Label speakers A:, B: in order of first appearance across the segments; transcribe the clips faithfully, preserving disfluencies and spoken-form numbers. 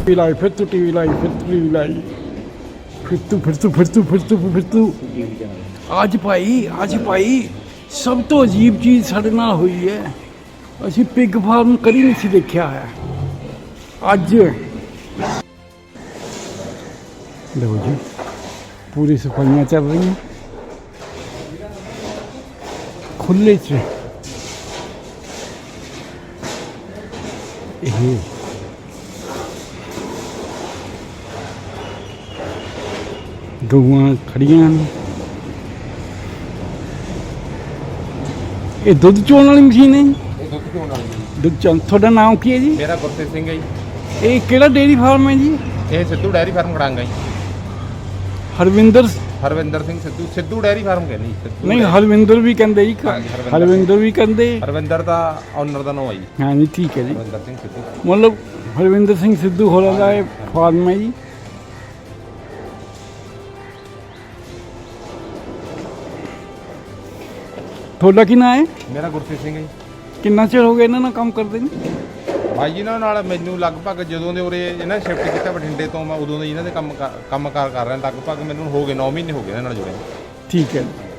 A: TV लाई फिर तू TV लाई फिर तू टीवी लाई फिर तू फिर तू फिर तू फिर तू फिर तू ਅੱਜ ਭਾਈ ਅੱਜ ਭਾਈ ਸਭ ਤੋਂ ਅਜੀਬ ਚੀਜ਼ ਸਾਡੇ ਨਾਲ ਹੋਈ ਹੈ। ਅਸੀਂ ਪਿਗ ਫਾਰਮ ਕਦੀ ਨਹੀਂ ਸੀ ਦੇਖਿਆ ਹੈ। ਅੱਜ ਲਓ ਜੀ ਪੂਰੀ ਸਫਾਈਆਂ ਚੱਲ ਰਹੀਆਂ ਖੁੱਲੇ 'ਚ। ਇਹ ਗਊਆਂ ਖੜੀਆਂ ਨੇ। ਇਹ ਦੁੱਧ ਚੋਣ ਵਾਲੀ ਮਸ਼ੀਨ ਹੈ ਜੀ?
B: ਇਹ ਦੁੱਧ ਚੋਣ ਵਾਲੀ
A: ਦੁੱਧ ਚੋਣ। ਤੁਹਾਡਾ ਨਾਮ ਕੀ ਹੈ ਜੀ?
B: ਮੇਰਾ ਗੁਰਤੇਜ ਸਿੰਘ ਹੈ ਜੀ।
A: ਇਹ ਕਿਹੜਾ ਡੇਅਰੀ ਫਾਰਮ ਹੈ ਜੀ?
B: ਇਹ ਸਿੱਧੂ ਡੈਰੀ ਫਾਰਮ ਖੜਾਂਗਾ ਜੀ।
A: ਹਰਵਿੰਦਰ
B: ਹਰਵਿੰਦਰ ਸਿੰਘ ਸਿੱਧੂ ਸਿੱਧੂ ਡੈਰੀ ਫਾਰਮ ਕਹਿੰਦੇ ਜੀ।
A: ਨਹੀਂ ਹਰਵਿੰਦਰ ਵੀ ਕਹਿੰਦੇ ਜੀ। ਹਰਵਿੰਦਰ ਵੀ ਕਹਿੰਦੇ।
B: ਹਰਵਿੰਦਰ ਦਾ ਓਨਰ ਦਾ ਨਾਮ ਹੈ ਜੀ।
A: ਹਾਂ ਜੀ ਠੀਕ ਹੈ ਜੀ।
B: ਹਰਵਿੰਦਰ ਸਿੰਘ ਸਿੱਧੂ
A: ਮਤਲਬ ਹਰਵਿੰਦਰ ਸਿੰਘ ਸਿੱਧੂ ਹੋਰਾਂ ਦਾ ਇਹ ਫਾਰਮ ਹੈ ਜੀ। ਤੁਹਾਡਾ ਕੀ ਨਾਂ ਹੈ?
B: ਮੇਰਾ ਗੁਰਤੇਜ ਸਿੰਘ ਹੈ ਜੀ।
A: ਕਿੰਨਾ ਚਿਰ ਹੋ ਗਿਆ ਇਹਨਾਂ ਨਾਲ ਕੰਮ ਕਰਦੇ ਨੇ?
B: ਭਾਈ ਜੀ ਇਹਨਾਂ ਨਾਲ ਮੈਨੂੰ ਲਗਭਗ ਜਦੋਂ ਦੇ ਉਰੇ ਇਹਨਾਂ ਸ਼ਿਫਟ ਕੀਤਾ ਬਠਿੰਡੇ ਤੋਂ, ਮੈਂ ਉਦੋਂ ਦੇ ਇਹਨਾਂ ਦੇ ਕੰਮ ਕੰਮ ਕਾਰ ਕਰ ਰਿਹਾ। ਲਗਭਗ ਮੈਨੂੰ ਹੋ ਗਏ ਨੌ ਮਹੀਨੇ ਹੋ ਗਏ ਇਹਨਾਂ ਨਾਲ ਜੁੜੇ।
A: ਠੀਕ ਹੈ।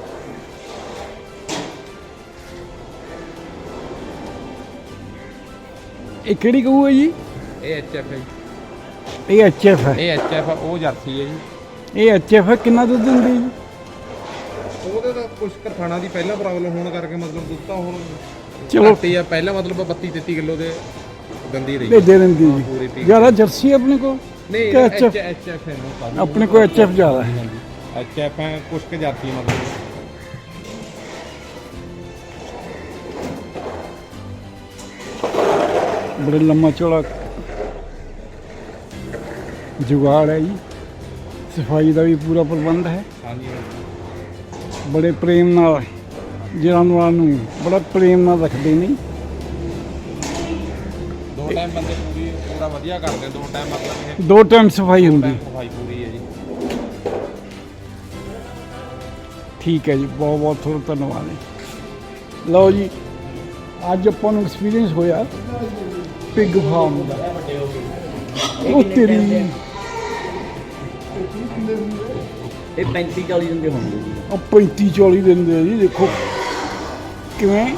A: ਇਹ ਕਿਹੜੀ ਗਊ ਹੈ ਜੀ?
B: ਇਹ ਐਚ ਐਫ ਹੈ ਜੀ।
A: ਇਹ ਐਚ ਐਫ ਹੈ।
B: ਇਹ ਐਚ ਐਫ ਉਹ ਜਰਸੀ ਹੈ ਜੀ।
A: ਇਹ ਐਚ ਐਫ ਹੈ। ਕਿੰਨਾ ਦੁੱਧ ਦਿੰਦੀ ਜੀ?
B: ਉਹਦੇ ਤਾਂ ਕੁਛ ਕਰਥਾਣਾ ਦੀ ਪਹਿਲਾਂ ਪ੍ਰੋਬਲਮ ਹੋਣ ਕਰਕੇ ਮਤਲਬ ਦੁੱਧ ਤਾਂ ਹੁਣ
A: ਚਲੋ
B: ਘੱਟ ਹੀ ਆ। ਪਹਿਲਾਂ ਮਤਲਬ ਬੱਤੀ ਤੇਤੀ ਕਿਲੋ ਦੇ ਦੰਦੀ ਰਹੀ।
A: ਦੇ ਦਿੰਦੀ ਜੀ। ਜ਼ਿਆਦਾ ਜਰਸੀ ਆਪਣੇ ਕੋਲ?
B: ਨਹੀਂ ਐਚ ਐਚ ਐਫ ਹੈ
A: ਆਪਣੇ ਕੋਲ ਐਚ ਐਫ ਜ਼ਿਆਦਾ ਹੈ।
B: ਐਚ ਐਫ ਹੈ ਕੁਛ ਕੁ ਜਰਸੀ ਮਤਲਬ।
A: ਬੜਾ ਲੰਮਾ ਚੌੜਾ ਜੁਗਾੜ ਹੈ ਜੀ। ਸਫਾਈ ਦਾ ਵੀ ਪੂਰਾ ਪ੍ਰਬੰਧ ਹੈ।
B: ਹਾਂਜੀ
A: ਬੜੇ ਪ੍ਰੇਮ ਨਾਲ ਜਾਨਵਰਾਂ ਨੂੰ ਬੜਾ ਪ੍ਰੇਮ ਨਾਲ ਰੱਖਦੇ ਨੇ।
B: ਦੋ ਟਾਈਮ ਬੰਦੇ ਪੂਰੀ ਪੂਰਾ ਵਧੀਆ ਕਰਦੇ। ਦੋ ਟਾਈਮ ਮਤਲਬ ਇਹ
A: ਦੋ ਟਾਈਮ ਸਫਾਈ ਹੁੰਦੀ।
B: ਸਫਾਈ ਪੂਰੀ ਹੈ ਜੀ।
A: ਠੀਕ ਹੈ ਜੀ। ਬਹੁਤ ਬਹੁਤ ਤੁਹਾਡਾ ਧੰਨਵਾਦ ਜੀ। ਲਓ ਜੀ ਅੱਜ ਆਪਾਂ ਨੂੰ ਐਕਸਪੀਰੀਅੰਸ ਹੋਇਆ ਪਿਗ ਫਾਰਮ ਦਾ। ਉਹ ਤੇਰੀ
C: ਇਹ ਪੈਂਤੀ ਚਾਲੀ ਦਿਨ ਦੇ ਹੋਣਗੇ ਜੀ।
A: ਉਹ ਪੈਂਤੀ ਚਾਲੀ ਦਿਨ ਦੇ ਜੀ। ਦੇਖੋ ਕਿਵੇਂ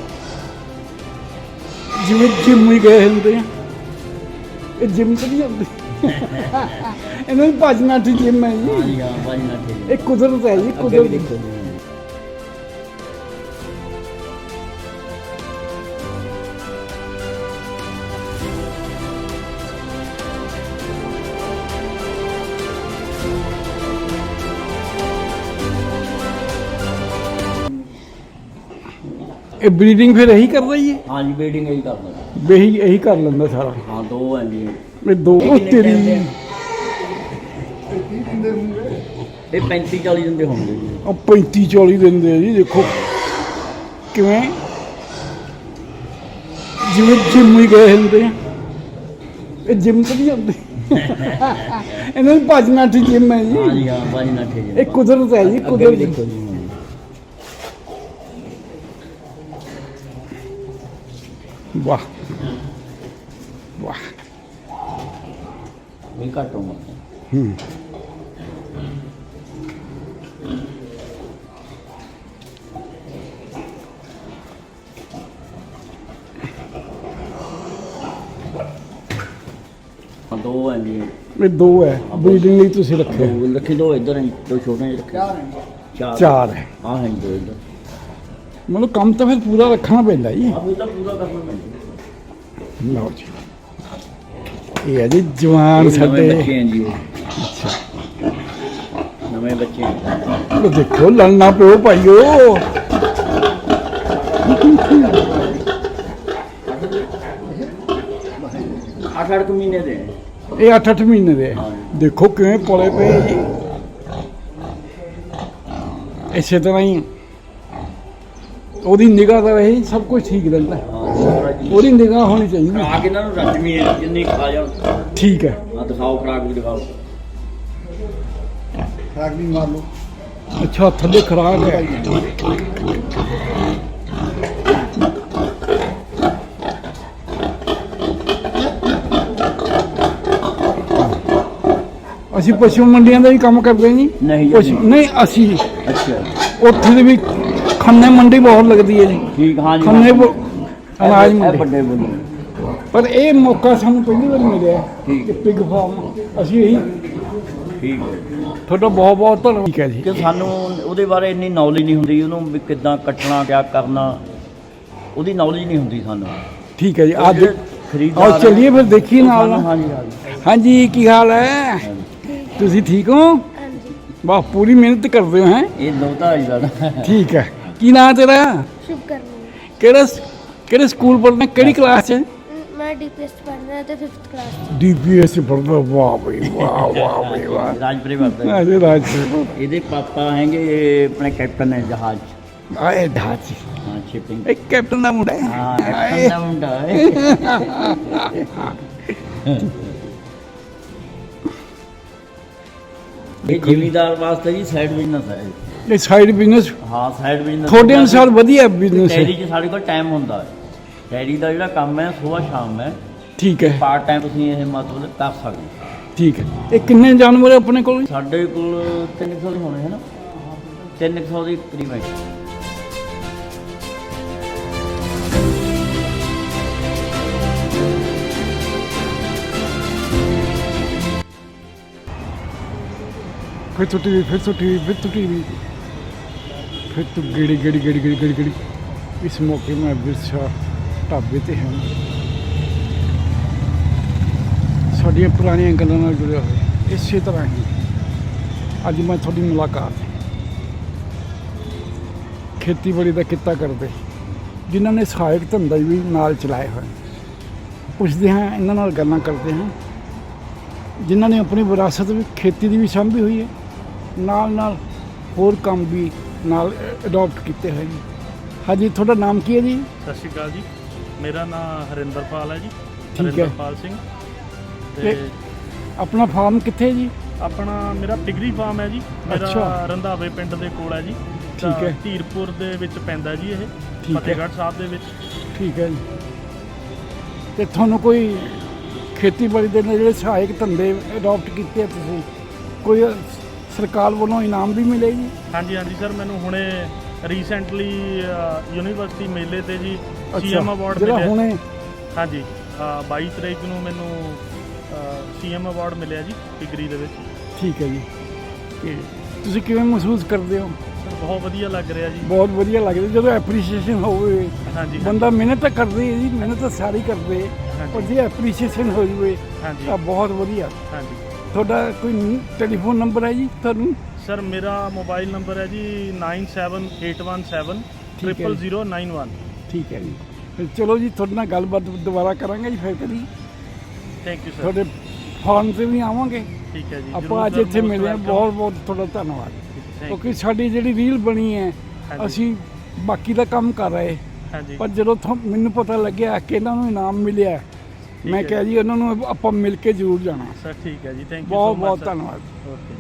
A: ਜਿਵੇਂ ਜਿੰਮ ਹੀ ਗਏ ਹੁੰਦੇ ਆ। ਇਹ ਜਿੰਮ ਤਾਂ ਨਹੀਂ ਹੁੰਦੀ ਇਹਨਾਂ ਦੀ ਭੱਜ ਨੱਠ ਜਿੰਮ ਹੈ ਜੀ।
C: ਹਾਂਜੀ ਹਾਂ ਭਾਜੀ ਨਾ ਠੀਕ
A: ਇਹ ਕੁਦਰਤ ਹੈ ਜੀ। ਕੁਦਰਤ
C: ਦੇਖੋ
A: ਇਹ ਬਰੀਡਿੰਗ ਫਿਰ ਇਹੀ ਕਰਦਾ ਜੀ?
C: ਹਾਂਜੀ ਬੀਡਿੰਗ ਇਹੀ ਕਰਦਾ।
A: ਬੇਹੀ ਇਹੀ ਕਰ ਲੈਂਦਾ ਸਾਰਾ।
C: ਹਾਂ ਦੋ ਹੈ ਜੀ।
A: ਇਹ ਦੋ ਉਹ ਤੇਰੀ
C: ਇਹ ਪੈਂਤੀ ਚਾਲੀ ਦਿਨ ਦੇ ਹੋਣਗੇ ਜੀ।
A: ਉਹ ਪੈਂਤੀ ਚਾਲੀ ਦਿਨ ਦੇ ਜੀ। ਦੇਖੋ ਕਿਵੇਂ ਜਿਵੇਂ ਜਿੰਮ ਹੀ ਗਏ ਹੁੰਦੇ ਆ। ਇਹ ਜਿੰਮ ਤਾਂ ਨਹੀਂ ਹੁੰਦੀ ਇਹਨਾਂ ਦੀ ਭੱਜ ਨੱਠ ਜਿੰਮ ਹੈ ਜੀ।
C: ਹਾਂਜੀ ਹਾਂ ਭਾਜੀ ਨਾ ਠੀਕ
A: ਇਹ ਕੁਦਰਤ ਹੈ ਜੀ। ਕੁਦਰਤ
C: ਦੇਖੋ ਜੀ।
A: ਵਾਹ ਵਾਹ।
C: ਵੀ ਘੱਟ ਉਮਰ
A: ਹੂੰ
C: ਹਾਂ ਦੋ ਹੈ ਜੀ।
A: ਇਹ ਦੋ ਹੈ ਬਰੀਡਿੰਗ ਲਈ ਤੁਸੀਂ ਰੱਖੇ?
C: ਦੋ ਰੱਖੇ ਦੋ ਇੱਧਰ ਹੈ ਦੋ ਛੋਟੇ ਜਿਹੇ ਰੱਖੇ। ਚਾਰ
A: ਚਾਰ ਹੈ।
C: ਹਾਂ ਹੈ ਦੋ ਇੱਧਰ।
A: ਮਤਲਬ ਕੰਮ ਤਾਂ ਫਿਰ ਪੂਰਾ ਰੱਖਣਾ ਪੈਂਦਾ ਜੀ।
C: ਆਹ ਇਹ ਤਾਂ ਪੂਰਾ ਕਰਨਾ ਪੈਂਦਾ।
A: ਲਓ ਜੀ ਇਹ ਹੈ ਜੀ ਜਵਾਨ ਸਾਡੇ।
C: ਬੱਚੇ ਹੈ ਜੀ ਉਹ। ਨਵੇਂ ਬੱਚੇ ਹੈ।
A: ਉਹ ਦੇਖੋ ਲੜਨਾ ਪਿਓ ਭਾਈਓ।
C: ਅੱਠ ਅੱਠ ਮਹੀਨੇ ਦੇ।
A: ਇਹ ਅੱਠ ਅੱਠ ਮਹੀਨੇ ਦੇ। ਦੇਖੋ ਕਿਵੇਂ ਪਲੇ ਪਏ ਜੀ। ਇਸੇ ਤਰ੍ਹਾਂ ਹੀ ਉਹਦੀ ਨਿਗਾਹ ਦਾ ਇਹ ਸਭ ਕੁਝ ਠੀਕ ਰਹਿੰਦਾ। ਉਹਦੀ ਨਿਗਾਹ ਹੋਣੀ ਚਾਹੀਦੀ।
C: ਖਰਾਕ ਇਹਨਾਂ ਨੂੰ ਰੱਜਵੀਂ ਹੈ ਜਿੰਨੀ ਖਾ ਜਾਣ।
A: ਠੀਕ ਹੈ।
C: ਹਾਂ ਦਿਖਾਓ ਖਰਾਕ ਵੀ ਦਿਖਾਓ।
A: ਖਰਾਕ ਵੀ ਮਾਰ ਲਓ। ਅੱਛਾ ਥੱਲੇ ਖਰਾਕ ਹੈ। ਅਸੀਂ ਪਸ਼ੂ ਮੰਡੀਆਂ ਦਾ ਵੀ ਕੰਮ ਕਰਦੇ ਜੀ।
C: ਨਹੀਂ ਜੀ,
A: ਪਸ਼ੂ- ਨਹੀਂ ਅਸੀਂ
C: ਅੱਛਾ
A: ਉੱਥੇ ਦੇ ਵੀ ਖੰਨੇ ਮੰਡੀ ਬਹੁਤ ਲੱਗਦੀ ਹੈ ਜੀ।
C: ਠੀਕ, ਹਾਂ ਜੀ
A: ਖੰਨੇ ਬ- ਅਨਾਜ
C: ਇਹ
A: ਮੰਡੀ।
C: ਵੱਡੇ ਬੋਲੀ
A: ਪਰ ਇਹ ਮੌਕਾ ਸਾਨੂੰ ਪਹਿਲੀ ਵਾਰ ਮਿਲਿਆ
C: ਠੀਕ।
A: ਕਿ ਪਿਗ ਫਾਰਮ ਅਸੀਂ ਇਹੀ
C: ਠੀਕ ਹੈ
A: ਤੁਹਾਡਾ ਬਹੁਤ ਬਹੁਤ ਧੰਨਵਾਦ। ਠੀਕ ਹੈ ਜੀ।
C: ਕਿ ਸਾਨੂੰ ਉਹਦੇ ਬਾਰੇ ਇੰਨੀ ਨੌਲੇਜ ਨਹੀਂ ਹੁੰਦੀ, ਉਹਨੂੰ ਵੀ ਕਿੱਦਾਂ ਕੱਟਣਾ ਕਿਆ ਕਰਨਾ ਉਹਦੀ ਨੌਲੇਜ ਨਹੀਂ ਹੁੰਦੀ ਸਾਨੂੰ।
A: ਠੀਕ ਹੈ ਜੀ। ਅੱਜ
C: ਜਿਹੜੇ ਖਰੀਦਦਾਰ
A: ਆਓ ਚੱਲੀਏ ਫਿਰ ਦੇਖੀਏ
C: ਉਹ
A: ਨਾਲ
C: ਸਾਨੂੰ-
A: ਨਾਲ।
C: ਹਾਂਜੀ ਹਾਂਜੀ
A: ਹਾਂਜੀ ਕੀ ਹਾਲ ਹੈ? ਤੁਸੀਂ ਠੀਕ ਹੋ?
D: ਹਾਂਜੀ
A: ਵਾਹ ਪੂਰੀ ਮਿਹਨਤ ਕਰਦੇ ਹੋ ਹੈ।
C: ਇਹ ਦੋਤਾ ਜੀ ਦਾ
A: ਠੀਕ ਹੈ। ਕੀ ਨਾਮ ਤੇਰਾ?
D: शुभ करनी
A: ਕਿਹੜਾ ਕਿਹੜੇ ਸਕੂਲ ਪੜ੍ਹਨਾ ਕਿਹੜੀ ਕਲਾਸ 'ਚ?
D: मैं डीपीएस पढ़ना है तो फिफ्थ क्लास
A: ਡੀਪੀਐਸ ਪੜ੍ਹਦਾ। ਵਾਹ ਬਈ ਵਾਹ ਵਾਹ ਬਈ ਵਾਹ।
C: ਰਾਜਪੁਰੇ ਵਰਦਾ
A: ਅਜੇ ਰਾਜ
C: ਇਹਦੇ ਪਾਪਾ ਹੈਗੇ ਆਪਣੇ ਕੈਪਟਨ ਹੈ ਜਹਾਜ਼ 'ਚ।
A: ਆਏ ਢਾਚ
C: ਹਾਂ ਸ਼ਿਪਿੰਗ।
A: ਇੱਕ ਕੈਪਟਨ ਦਾ ਮੁੰਡਾ ਹੈ।
C: ਹਾਂ ਕੈਪਟਨ ਦਾ ਮੁੰਡਾ ਹੈ। ਇਹ ਜ਼ਿਮੀਦਾਰ ਵਾਸਤੇ ਜੀ ਸਾਈਡ ਬਿਜ਼ਨਸ ਹੈ।
A: ਇਹ ਸਾਈਡ ਬਿਜ਼ਨਸ
C: ਹਾਂ ਸਾਈਡ ਬਿਜ਼ਨਸ
A: ਤੁਹਾਡੇ ਅਨੁਸਾਰ ਵਧੀਆ ਬਿਜ਼ਨਸ ਹੈ।
C: ਡੈਰੀ 'ਚ ਸਾਡੇ ਕੋਲ ਟਾਈਮ ਹੁੰਦਾ ਹੈ। ਡੈਰੀ ਦਾ ਜਿਹੜਾ ਕੰਮ ਹੈ ਸਵੇਰ ਸ਼ਾਮ ਹੈ।
A: ਠੀਕ ਹੈ
C: ਪਾਰਟ ਟਾਈਮ ਤੁਸੀਂ ਇਹ ਮਤਲਬ ਕਰ ਸਕਦੇ ਹੋ।
A: ਠੀਕ ਹੈ। ਇਹ ਕਿੰਨੇ ਜਾਨਵਰ ਹੈ ਆਪਣੇ ਕੋਲ?
C: ਸਾਡੇ ਕੋਲ ਤਿੰਨ ਸੌ ਦੇ ਹੋਣੇ ਹੈ ਨਾ, ਤਿੰਨ ਕੁ ਸੌ ਦੇ ਕਰੀਬ ਹੈ।
A: ਫਿਰ ਤੋਂ ਟੀਵੀ ਫਿਰ ਤੋਂ ਟੀਵੀ ਫਿਰ ਤੋਂ ਟੀਵੀ ਫਿਰ ਤੋਂ ਗੇੜੀ ਗੇੜੀ ਗੇੜੀ ਗੇੜੀ ਗੇੜੀ ਗੇੜੀ। ਇਸ ਮੌਕੇ ਮੈਂ ਵਿਰਸਾ ਢਾਬੇ ਤੇ ਹਾਂ। ਸਾਡੀਆਂ ਪੁਰਾਣੀਆਂ ਗੱਲਾਂ ਨਾਲ ਜੁੜਿਆ ਹੋਇਆ ਇਸੇ ਤਰ੍ਹਾਂ ਹੀ ਅੱਜ ਮੈਂ ਤੁਹਾਡੀ ਮੁਲਾਕਾਤ ਖੇਤੀਬਾੜੀ ਦਾ ਕਿੱਤਾ ਕਰਦੇ ਜਿਨ੍ਹਾਂ ਨੇ ਸਹਾਇਕ ਧੰਦਾ ਵੀ ਨਾਲ ਚਲਾਏ ਹੋਏ। ਪੁੱਛਦੇ ਹਾਂ ਇਹਨਾਂ ਨਾਲ ਗੱਲਾਂ ਕਰਦੇ ਹਾਂ ਜਿਨ੍ਹਾਂ ਨੇ ਆਪਣੀ ਵਿਰਾਸਤ ਵੀ ਖੇਤੀ ਦੀ ਵੀ ਸਾਂਭੀ ਹੋਈ ਹੈ, ਨਾਲ ਨਾਲ ਹੋਰ ਕੰਮ ਵੀ ਨਾਲ ਅਡਾਪਟ ਕੀਤੇ ਹੋਏ ਨੇ। ਹਾਂਜੀ ਤੁਹਾਡਾ ਨਾਮ ਕੀ ਹੈ ਜੀ?
E: ਸਤਿ ਸ਼੍ਰੀ ਅਕਾਲ ਜੀ, ਮੇਰਾ ਨਾਮ ਹਰਿੰਦਰਪਾਲ ਹੈ ਜੀ।
A: ਠੀਕ ਹੈ।
E: ਹਰਿੰਦਰਪਾਲ ਸਿੰਘ ਤੇ
A: ਤੇ ਆਪਣਾ ਫਾਰਮ ਕਿੱਥੇ ਹੈ ਜੀ?
E: ਆਪਣਾ ਮੇਰਾ ਪਿਗਰੀ ਫਾਰਮ ਹੈ ਜੀ। ਮੇਰਾ
A: ਅੱਛਾ।
E: ਰੰਧਾਵੇ ਪਿੰਡ ਦੇ ਕੋਲ ਹੈ ਜੀ।
A: ਠੀਕ ਹੈ।
E: ਧੀਰਪੁਰ ਦੇ ਵਿੱਚ ਪੈਂਦਾ ਜੀ ਇਹ,
A: ਠੀਕ ਹੈ।
E: ਫਤਿਹਗੜ੍ਹ ਸਾਹਿਬ ਦੇ ਵਿੱਚ।
A: ਠੀਕ ਹੈ ਜੀ। ਤੇ ਤੁਹਾਨੂੰ ਕੋਈ ਖੇਤੀਬਾੜੀ ਦੇ ਨਾਲ ਜਿਹੜੇ ਸਹਾਇਕ ਧੰਦੇ ਅਡਾਪਟ ਕੀਤੇ ਆ ਤੁਸੀਂ, ਕੋਈ ਸਰਕਾਰ ਵੱਲੋਂ ਇਨਾਮ ਵੀ ਮਿਲੇ ਜੀ?
E: ਹਾਂਜੀ ਹਾਂਜੀ ਸਰ, ਮੈਨੂੰ ਹੁਣੇ ਰੀਸੈਂਟਲੀ ਯੂਨੀਵਰਸਿਟੀ ਮੇਲੇ ਤੇ ਜੀ ਸੀਐਮ ਅਵਾਰਡ
A: ਜਿਹੜਾ
E: ਮਿਲਿਆ।
A: ਹੁਣੇ
E: ਹਾਂਜੀ ਅ, ਬਾਈ ਤਰੀਕ ਨੂੰ ਮੈਨੂੰ ਸੀਐਮ ਅਵਾਰਡ ਮਿਲਿਆ ਜੀ ਪਿਗਰੀ ਦੇ ਵਿੱਚ।
A: ਠੀਕ ਹੈ ਜੀ। ਤੇ ਤੁਸੀਂ ਕਿਵੇਂ ਮਹਿਸੂਸ ਕਰਦੇ ਹੋ?
E: ਸਰ ਬਹੁਤ ਵਧੀਆ ਲੱਗ ਰਿਹਾ ਜੀ।
A: ਬਹੁਤ ਵਧੀਆ ਲੱਗਦਾ ਜਦੋਂ ਐਪਰੀਸ਼ੀਏਸ਼ਨ ਹੋਵੇ।
E: ਹਾਂਜੀ ਹਾਂਜੀ
A: ਬੰਦਾ ਮਿਹਨਤ ਤਾਂ ਕਰਦੇ ਹੈ ਜੀ, ਮਿਹਨਤ ਤਾਂ ਸਾਰੀ ਕਰਦੇ, ਪਰ ਜੇ ਐਪਰੀਸ਼ੀਏਸ਼ਨ ਹੋ ਜਾਵੇ
E: ਹਾਂਜੀ
A: ਤਾਂ ਬਹੁਤ ਵਧੀਆ।
E: ਹਾਂਜੀ
A: ਤੁਹਾਡਾ ਕੋਈ ਟੈਲੀਫੋਨ ਨੰਬਰ ਹੈ ਜੀ ਤੁਹਾਨੂੰ?
E: ਸਰ ਮੇਰਾ ਮੋਬਾਈਲ ਨੰਬਰ ਹੈ ਜੀ nine seven eight one seven
A: ਠੀਕ ਹੈ
E: ਟ੍ਰਿਪਲ
A: ਜੀ।
E: Zero nine one.
A: ਠੀਕ ਹੈ ਜੀ। ਫਿਰ ਚਲੋ ਜੀ ਤੁਹਾਡੇ ਨਾਲ ਗੱਲਬਾਤ ਦੁਬਾਰਾ ਕਰਾਂਗੇ ਜੀ ਫਿਰ ਕਦੀ।
E: Thank you sir.
A: ਤੁਹਾਡੇ ਫਾਰਮ 'ਤੇ ਵੀ ਆਵਾਂਗੇ।
E: ਠੀਕ ਹੈ ਜੀ,
A: ਆਪਾਂ ਅੱਜ ਇੱਥੇ ਮਿਲੇ ਹਾਂ, ਬਹੁਤ ਬਹੁਤ ਤੁਹਾਡਾ ਧੰਨਵਾਦ। ਕਿਉਂਕਿ ਸਾਡੀ ਜਿਹੜੀ ਰੀਲ ਬਣੀ ਹੈ
E: ਹਾਂਜੀ।
A: ਅਸੀਂ ਬਾਕੀ ਦਾ ਕੰਮ ਕਰ ਰਹੇ,
E: ਹਾਂਜੀ
A: ਪਰ ਜਦੋਂ ਥੋ- ਮੈਨੂੰ ਪਤਾ ਲੱਗਿਆ ਕਿ ਇਹਨਾਂ ਨੂੰ ਇਨਾਮ ਮਿਲਿਆ, ਮੈਂ
E: ਹੈ
A: ਕਿਹਾ ਜੀ ਉਹਨਾਂ ਨੂੰ ਆਪਾਂ ਮਿਲ ਕੇ ਜ਼ਰੂਰ ਜਾਣਾ।
E: ਸਰ। ਠੀਕ ਹੈ ਜੀ, ਥੈਂਕ ਯੂ
A: ਬਹੁਤ ਬਹੁਤ ਧੰਨਵਾਦ।
E: ਓਕੇ।